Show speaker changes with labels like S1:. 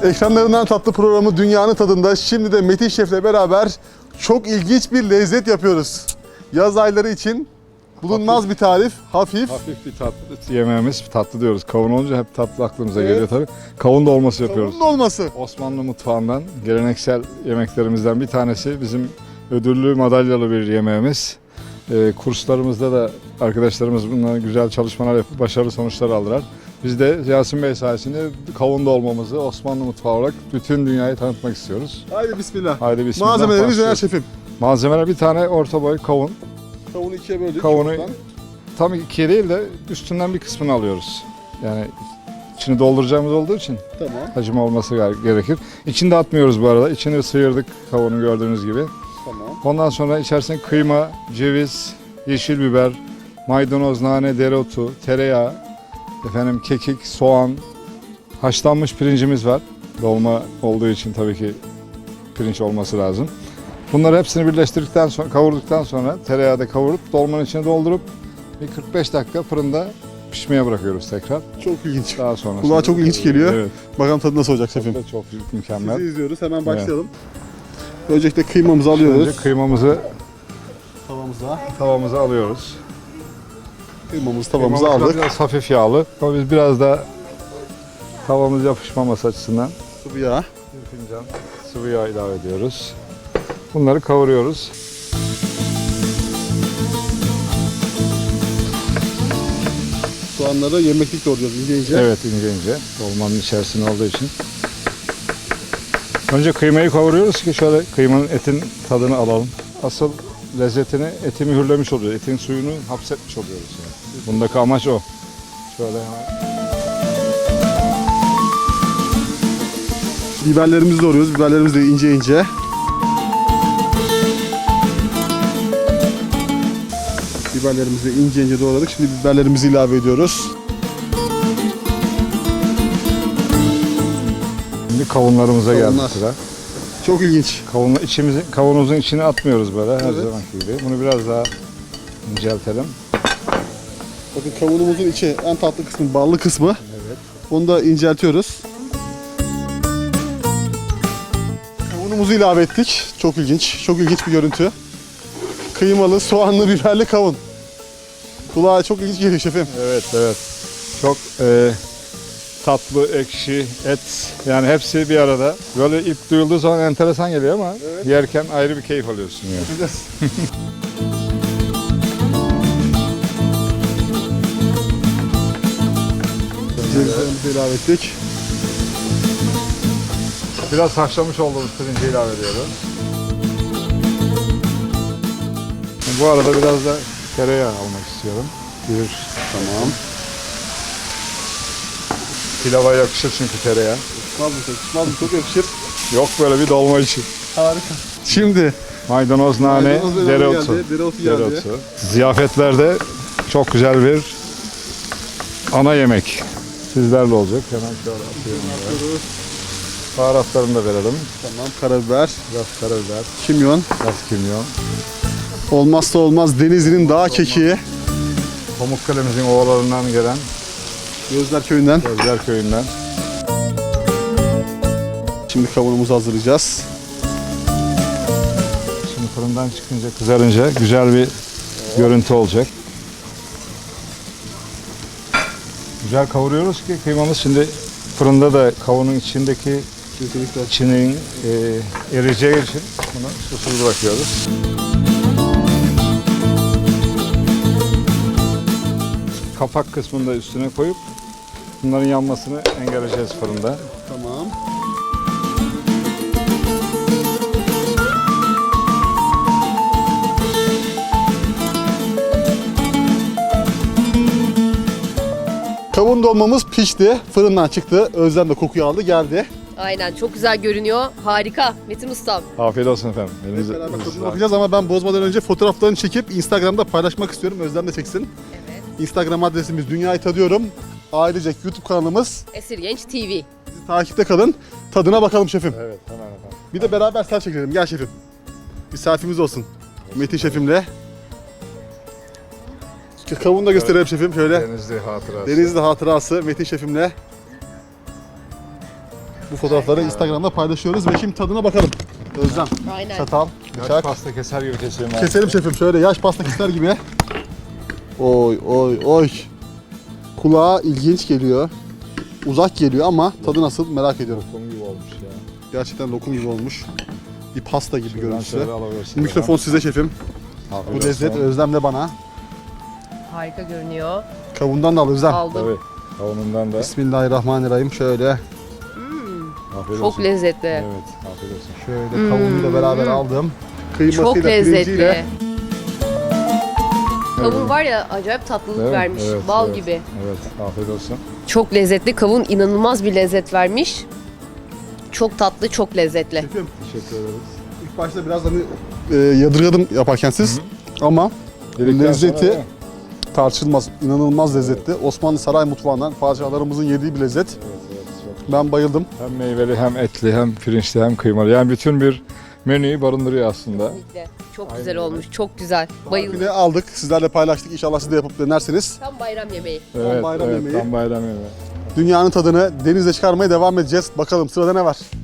S1: Ekranlarından tatlı programı Dünyanın Tadında şimdi de Metin Şef'le beraber çok ilginç bir lezzet yapıyoruz. Yaz ayları için bulunmaz bir tarif, hafif.
S2: Hafif bir tatlı yemeğimiz, tatlı diyoruz. Kavun olunca hep tatlı aklımıza geliyor tabii. Kavun dolması yapıyoruz.
S1: Kavun dolması.
S2: Osmanlı mutfağından, geleneksel yemeklerimizden bir tanesi. Bizim ödüllü, madalyalı bir yemeğimiz. Kurslarımızda da arkadaşlarımız bununla güzel çalışmalar yapıp başarılı sonuçlar aldılar. Biz de Yasin Bey sayesinde kavun dolmamızı Osmanlı mutfağı olarak bütün dünyaya tanıtmak istiyoruz.
S1: Haydi bismillah.
S2: Haydi bismillah.
S1: Malzemelerimiz neler
S2: başlıyoruz.
S1: şefim?
S2: Malzemeler bir tane orta boy kavun.
S1: Kavunu ikiye böldük.
S2: Kavunu
S1: şuradan.
S2: tam ikiye değil de üstünden bir kısmını alıyoruz. Yani içini dolduracağımız olduğu için
S1: Tamam.
S2: hacim olması gerekir. İçini de atmıyoruz bu arada. İçini sıyırdık kavunu gördüğünüz gibi.
S1: Tamam.
S2: Ondan sonra içerisine kıyma, ceviz, yeşil biber, maydanoz, nane, dereotu, tereyağı, kekik, soğan, haşlanmış pirincimiz var. Dolma olduğu için tabii ki pirinç olması lazım. Bunları hepsini birleştirdikten sonra, kavurduktan sonra tereyağda kavurup dolmanın içine doldurup bir 45 dakika fırında pişmeye bırakıyoruz tekrar.
S1: Çok ilginç.
S2: Daha sonra
S1: Kulağa çok ilginç geliyor.
S2: Evet.
S1: Bakalım tadı nasıl olacak şefim?
S2: Tadı da çok mükemmel.
S1: Sizi izliyoruz. Hemen başlayalım. Öncelikle kıymamızı alıyoruz.
S2: Önce kıymamızı
S1: Tavamıza.
S2: alıyoruz.
S1: Tavamızı
S2: Kıymamız da
S1: aldık.
S2: biraz hafif yağlı. Ama biz biraz da tavamız yapışmaması açısından
S1: Sıvı yağ.
S2: bir fincan sıvı yağ ilave ediyoruz. Bunları kavuruyoruz.
S1: Soğanları yemeklik doğruyoruz ince ince.
S2: Evet, ince ince. Dolmanın içerisinde olduğu için. Önce kıymayı kavuruyoruz ki şöyle kıymanın etin tadını alalım. Asıl lezzetini eti mühürlemiş oluyor. Etin suyunu hapsetmiş oluyoruz. Yani. Bundaki amaç o. Şöyle hemen.
S1: Biberlerimizi doğruyoruz. Biberlerimizi de ince ince. Biberlerimizi ince ince doğradık. Şimdi biberlerimizi ilave ediyoruz.
S2: Şimdi kavunlarımıza
S1: Kavunlar.
S2: geldi sıra.
S1: Çok ilginç.
S2: Kavanozun içine atmıyoruz böyle her
S1: Evet.
S2: zamanki gibi. Bunu biraz daha inceltelim.
S1: Bakın kavunumuzun içi en tatlı kısmı, ballı kısmı.
S2: Evet.
S1: Onu da inceltiyoruz. Kavunumuzu ilave ettik. Çok ilginç. Çok ilginç bir görüntü. Kıymalı, soğanlı, biberli kavun. Kulağa çok ilginç geliyor şefim.
S2: Evet, evet. Çok tatlı, ekşi, et yani hepsi bir arada. Böyle ilk duyulduğu zaman enteresan geliyor ama
S1: Evet.
S2: yerken ayrı bir keyif alıyorsun yani.
S1: Bakacağız. Cevizlerimizi ilave ettik.
S2: Biraz haşlamış olduğumuz pirinci ilave ediyoruz. Bu arada biraz da tereyağı almak istiyorum. Bir
S1: Tamam.
S2: pilava yakışır çünkü tereyağı.
S1: Çıkmaz mı? Çok yakışır.
S2: Yok böyle bir dolma için.
S1: Harika. Şimdi
S2: Maydanoz, nane,
S1: maydanoz ve nane
S2: dereotu.
S1: geldi, dereotu geldi.
S2: Ziyafetlerde çok güzel bir ana yemek. Sizlerle olacak. Hemen şöyle atıyorum.
S1: Atıyoruz.
S2: Baharatlarını da verelim.
S1: Tamam, karabiber,
S2: Biraz karabiber,
S1: kimyon.
S2: biraz kimyon.
S1: Olmazsa olmaz Denizli'nin dağ kekiği.
S2: Pamukkale'mizin ovalarından gelen
S1: Gözler köyünden.
S2: Gözler Köyü'nden.
S1: Şimdi kavunumuzu hazırlayacağız.
S2: Şimdi fırından çıkınca, kızarınca güzel bir görüntü olacak. Güzel kavuruyoruz ki kıymamız şimdi fırında da kavunun içindeki
S1: Kesinlikle.
S2: içinin eriyeceği için bunu susuz bırakıyoruz. Kapak kısmını da üstüne koyup bunların yanmasını engelleyeceğiz fırında.
S1: Tamam. Kavun dolmamız pişti. Fırından çıktı. Özlem de kokuyu aldı. Geldi.
S3: Aynen çok güzel görünüyor. Harika Metin Ustam.
S2: Afiyet olsun efendim.
S1: Hep beraber tadına bakacağız ama ben bozmadan önce fotoğraflarını çekip Instagram'da paylaşmak istiyorum. Özlem de çeksin.
S3: Evet.
S1: Instagram adresimiz Dünyayı Tadıyorum. Ailecek YouTube kanalımız.
S3: Esirgenç TV.
S1: Bizi takipte kalın. Tadına bakalım şefim.
S2: Evet, hemen efendim.
S1: Bir de beraber selfie çekelim. Gel şefim. Bir selfie'miz olsun. Metin şefimle. Kavunu da gösterelim şefim şöyle.
S2: Denizli hatırası.
S1: Denizli hatırası Metin şefimle. Bu fotoğrafları Instagram'da paylaşıyoruz ve şimdi tadına bakalım. Özlem,
S3: Aynen.
S1: çatal,
S2: Yaş
S1: bıçak.
S2: pasta keser gibi keselim abi.
S1: Keselim şefim şöyle yaş pasta keser gibi. Oy oy oy. Kulağa ilginç geliyor. Uzak geliyor ama tadı nasıl merak ediyorum.
S2: Lokum gibi olmuş ya.
S1: Gerçekten lokum gibi olmuş. Bir pasta gibi
S2: Şuradan
S1: görüntüsü.
S2: şöyle alıversin.
S1: Mikrofon size şefim.
S2: Afiyet
S1: Bu lezzet
S2: olsun.
S1: Özlem'le bana.
S3: Harika görünüyor.
S1: Kavundan da al Özlem.
S3: Aldım.
S2: Tabii. Kavunundan da.
S1: Bismillahirrahmanirrahim. Şöyle
S2: Afiyet
S3: Çok
S2: olsun.
S3: lezzetli.
S2: Evet, afiyet olsun.
S1: şöyle kavunuyla beraber aldım. Kıymasıyla,
S3: Çok lezzetli.
S1: pirinciyle.
S3: Kavun var ya acayip tatlılık
S2: Değil mi?
S3: vermiş.
S2: Evet,
S3: Bal
S2: evet.
S3: gibi.
S2: Evet, afiyet olsun.
S3: Çok lezzetli. Kavun inanılmaz bir lezzet vermiş. Çok tatlı, çok lezzetli.
S1: Şefim
S2: Teşekkür ederiz.
S1: ilk başta biraz hani yadırgadım yaparken siz. Ama
S2: Yedikten
S1: lezzeti
S2: sonra, değil mi?
S1: tartışılmaz. İnanılmaz lezzetli. Osmanlı saray mutfağından padişahlarımızın yediği bir lezzet.
S2: Evet, evet, çok.
S1: Ben bayıldım.
S2: Hem meyveli, hem etli, hem pirinçli, hem kıymalı. Yani bütün bir menüyü barındırıyor aslında.
S3: Kesinlikle. Çok
S2: Aynen
S3: güzel
S2: öyle.
S3: olmuş. Çok güzel.
S1: Bir
S3: Bayıldım.
S1: de aldık. Sizlerle paylaştık. İnşallah siz de yapıp denersiniz.
S3: Tam bayram yemeği.
S2: Evet,
S1: bayram
S2: evet,
S1: yemeği.
S2: tam bayram yemeği.
S1: Dünyanın tadını denizde çıkarmaya devam edeceğiz. Bakalım sırada ne var?